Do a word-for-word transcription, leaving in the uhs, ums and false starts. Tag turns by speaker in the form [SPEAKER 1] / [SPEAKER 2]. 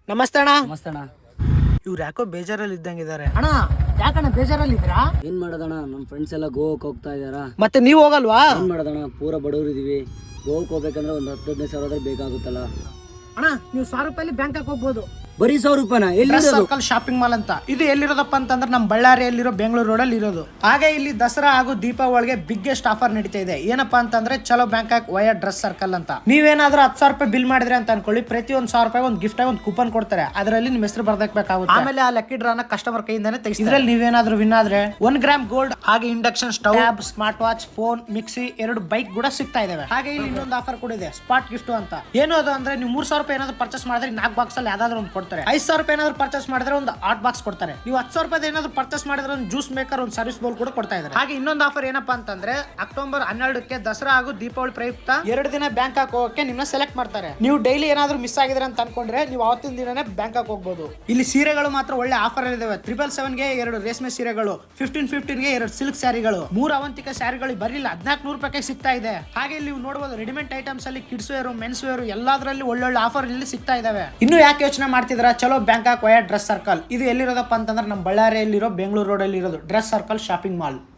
[SPEAKER 1] ನಮಸ್ತೆ ಅಣ್ಣ.
[SPEAKER 2] ನಮಸ್ತೆ ಅಣ್ಣ.
[SPEAKER 1] ಇವ್ರು ಯಾಕೋ ಬೇಜಾರಲ್ಲಿ ಇದ್ದಂಗಿದ್ದಾರೆ.
[SPEAKER 2] ಅಣ್ಣ ಯಾಕಣ್ಣ ಬೇಜಾರಲ್ಲಿ ಇದ್ದೀರಾ? ಏನ್ ಮಾಡೋದಣ್ಣ, ನಮ್ಮ ಫ್ರೆಂಡ್ಸ್ ಎಲ್ಲ ಗೋವಾಕ್ ಹೋಗ್ತಾ ಇದಾರ.
[SPEAKER 1] ಮತ್ತೆ ನೀವು ಹೋಗಲ್ವಾ?
[SPEAKER 2] ಏನ್ ಮಾಡೋದಣ್ಣ, ಪೂರ ಬಡವರು ಇದೀವಿ. ಗೋವಾಕ್ ಹೋಗ್ಬೇಕಂದ್ರೆ ಒಂದು ಹತ್ತು ಹದಿನೈದು ಸಾವಿರ ಬೇಕಾಗುತ್ತಲ್ಲ.
[SPEAKER 1] ಅಣ್ಣ ನೀವು ಸಾವಿರ ರೂಪಾಯಿ ಬ್ಯಾಂಕಾಕ್ ಹೋಗ್ಬೋದು.
[SPEAKER 2] ಬರೀ ಸಾವಿರ ರೂಪಾಯಿನ? ಎಲ್ಲಿ
[SPEAKER 1] ಸರ್ಕಲ್ ಶಾಪಿಂಗ್ ಮಾಲ್ ಅಂತ ಇದು ಎಲ್ಲಿರೋದಪ್ಪ ಅಂತಂದ್ರೆ ನಮ್ಮ ಬಳ್ಳಾರಿಯಲ್ಲಿರೋ ಬೆಂಗಳೂರು ರೋಡಲ್ಲಿ ಇರೋದು. ಹಾಗೆ ಇಲ್ಲಿ ದಸರಾ ಹಾಗೂ ದೀಪಾವಳಿಗೆ ಬಿಗ್ಗೆಸ್ಟ್ ಆಫರ್ ನಡೀತಾ ಇದೆ. ಏನಪ್ಪಾ ಅಂತಂದ್ರೆ ಚಲೋ ಬ್ಯಾಂಕಾಕ್ ವಯ ಡ್ರೆಸ್ ಸರ್ಕಲ್ ಅಂತ. ನೀವೇನಾದ್ರೂ ಹತ್ತು ಸಾವಿರ ರೂಪಾಯಿ ಬಿಲ್ ಮಾಡಿದ್ರೆ ಅಂತ ಅನ್ಕೊಳ್ಳಿ, ಪ್ರತಿ ಒಂದ್ ಸಾವಿರ ರೂಪಾಯಿ ಒಂದು ಗಿಫ್ಟ್ ಆಗಿ ಒಂದು ಕೂಪನ್ ಕೊಡ್ತಾರೆ. ಅದರಲ್ಲಿ ನಿಮ್ಮ ಹೆಸರು ಬರ್ದಕ್ಬೇಕಾಗುತ್ತೆ. ಆಮೇಲೆ ಆ ಲಕ್ಕಿ ಡ್ರಾನ ಕಸ್ಟಮರ್ ಕೈಯಿಂದಾನೆ ತೆಗಿಸ್ತಾರೆ. ಇದ್ರಲ್ಲಿ ನೀವೇನಾದ್ರೂ ವಿನ್ ಆದ್ರೆ ಒನ್ ಗ್ರಾಮ್ ಗೋಲ್ಡ್ ಹಾಗೆ induction stove, smart watch, phone, mixie, ಎರಡು ಬೈಕ್ ಕೂಡ ಸಿಗ್ತಾ ಇದಾವೆ. ಹಾಗೆ ಇಲ್ಲಿ ಇನ್ನೊಂದು ಆಫರ್ ಕೂಡ ಇದೆ, ಸ್ಪಾಟ್ ಗಿಫ್ಟ್ ಅಂತ. ಏನು ಅದು ಅಂದ್ರೆ ನೀವು ಮೂರ್ ಸಾವಿರ ರೂಪಾಯಿ ಏನಾದ್ರು ಪರ್ಚೇಸ್ ಮಾಡಿದ್ರೆ ನಾಲ್ಕು ಬಾಕ್ಸ್ ಅಲ್ಲಿ ಯಾವ್ದಾದ್ರು ಒಂದು ಕೊಡ್ತಾರೆ. ಐದು ಸಾವಿರ ರೂಪಾಯಿ ಏನಾದ್ರು ಪರ್ಚೇಸ್ ಮಾಡಿದ್ರೆ ಒಂದು ಆಟ್ ಬಾಕ್ಸ್ ಕೊಡ್ತಾರೆ. ನೀವು ಹತ್ತು ಸಾವಿರ ರೂಪಾಯಿ ಏನಾದ್ರು ಪರ್ಚೇಸ್ ಮಾಡಿದ್ರೆ ಒಂದು ಜ್ಯೂಸ್ ಮೇಕರ್, ಒಂದು ಸರ್ವಿಸ್ ಬೌಲ್ ಕೂಡ ಕೊಡ್ತಾ ಇದ್ದಾರೆ. ಹಾಗೆ ಇನ್ನೊಂದು ಆಫರ್ ಏನಪ್ಪಾ ಅಂತಂದ್ರೆ ಅಕ್ಟೋಬರ್ ಹನ್ನೆರಡಕ್ಕೆ ದಸರಾ ಹಾಗೂ ದೀಪಾವಳಿ ಪ್ರಯುಕ್ತ ಎರಡು ದಿನ ಬ್ಯಾಂಕಾಕ್ ಹೋಗಕ್ಕೆ ನಿಮ್ಮನ್ನ ಸೆಲೆಕ್ಟ್ ಮಾಡ್ತಾರೆ. ನೀವು ಡೈಲಿ ಏನಾದ್ರು ಮಿಸ್ ಆಗಿದ್ರೆ ಅಂತ ಅನ್ಕೊಂಡ್ರೆ ನೀವು ಅವತ್ತಿನ ದಿನನೇ ಬ್ಯಾಂಕಾಕ್ ಹೋಗ್ಬೋದು. ಇಲ್ಲಿ ಸೀರೆಗಳು ಮಾತ್ರ ಒಳ್ಳೆ ಆಫರ್ ಇದಾವೆ. ತ್ರಿಬಲ್ ಸೆವೆನ್ ಗೆ ಎರಡು ರೇಷ್ಮೆ ಸೀರೆಗಳು, ಫಿಫ್ಟೀನ್ ಫಿಫ್ಟೀನ್ ಗೆ ಎರಡು ಸಿಲ್ಕ್ ಸ್ಯಾರಿಗಳು, ಮೂರು ಅವಂತಿಕ ಸ್ಯಾರಿಗಳು ಬರೀ ಹದಿನಾಲ್ಕು ನೂರು ರೂಪಾಯಿ ಸಿಗ್ತಾ ಇದೆ. ಹಾಗೆ ಇಲ್ಲಿ ನೀವು ನೋಡಬಹುದು ರೆಡಿಮೇಡ್ ಐಟಮ್ಸ್ ಅಲ್ಲಿ ಕಿಡ್ಸ್ ವೇರ್, ಮೆನ್ಸ್ ವೇರ್ ಎಲ್ಲದರಲ್ಲಿ ಒಳ್ಳೊಳ್ಳೆ ಆಫರ್ ಇಲ್ಲಿ ಸಿಗ್ತಾ ಇದಾವೆ. ಇನ್ನು ಯಾಕೆ ಯೋಚನೆ ಮಾಡ್ತಿದ್ರ, ಚಲೋ ಬ್ಯಾಂಕಾಕ್ ವಯ ಡ್ರೆಸ್ ಸರ್ಕಲ್ ಇದು ಎಲ್ಲಿರೋದಪ್ಪ ಅಂತಂದ್ರೆ ನಮ್ಮ ಬಳ್ಳಾರಿಯಲ್ಲಿರೋ ಬೆಂಗಳೂರು ರೋಡ್ ಅಲ್ಲಿ ಇರೋದು ಡ್ರೆಸ್ ಸರ್ಕಲ್ ಶಾಪಿಂಗ್ ಮಾಲ್.